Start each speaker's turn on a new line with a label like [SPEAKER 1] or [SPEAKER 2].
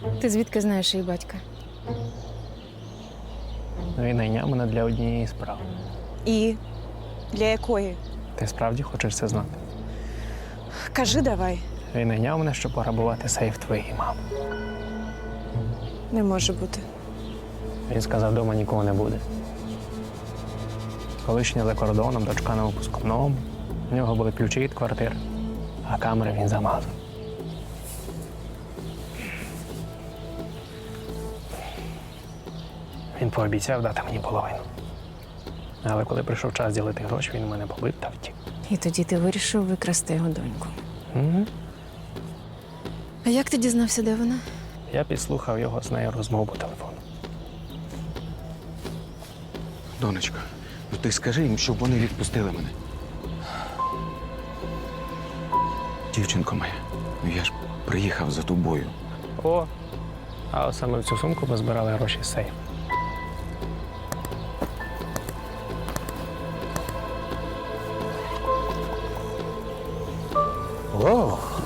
[SPEAKER 1] Ти звідки знаєш її батька?
[SPEAKER 2] Він найняв мене для однієї справи.
[SPEAKER 3] І для якої?
[SPEAKER 2] Ти справді хочеш це знати?
[SPEAKER 3] Кажи давай.
[SPEAKER 2] Він найняв мене, щоб пограбувати сейф твоєї мами.
[SPEAKER 3] Не може бути.
[SPEAKER 2] Він сказав, вдома нікого не буде. Колишня за кордоном, дочка на випускному. У нього були ключі від квартири, а камери він замазав. Він пообіцяв дати мені половину. Але коли прийшов час ділити гроші, він мене побив та втік.
[SPEAKER 1] І тоді ти вирішив викрасти його доньку.
[SPEAKER 2] Угу.
[SPEAKER 1] А як ти дізнався, де вона?
[SPEAKER 2] Я підслухав його з нею розмову по телефону.
[SPEAKER 4] Донечко, ну ти скажи їм, щоб вони відпустили мене. Дівчинко моя, ну я ж приїхав за тобою.
[SPEAKER 2] О, а от саме в цю сумку ми збирали гроші з сейфу.
[SPEAKER 5] О,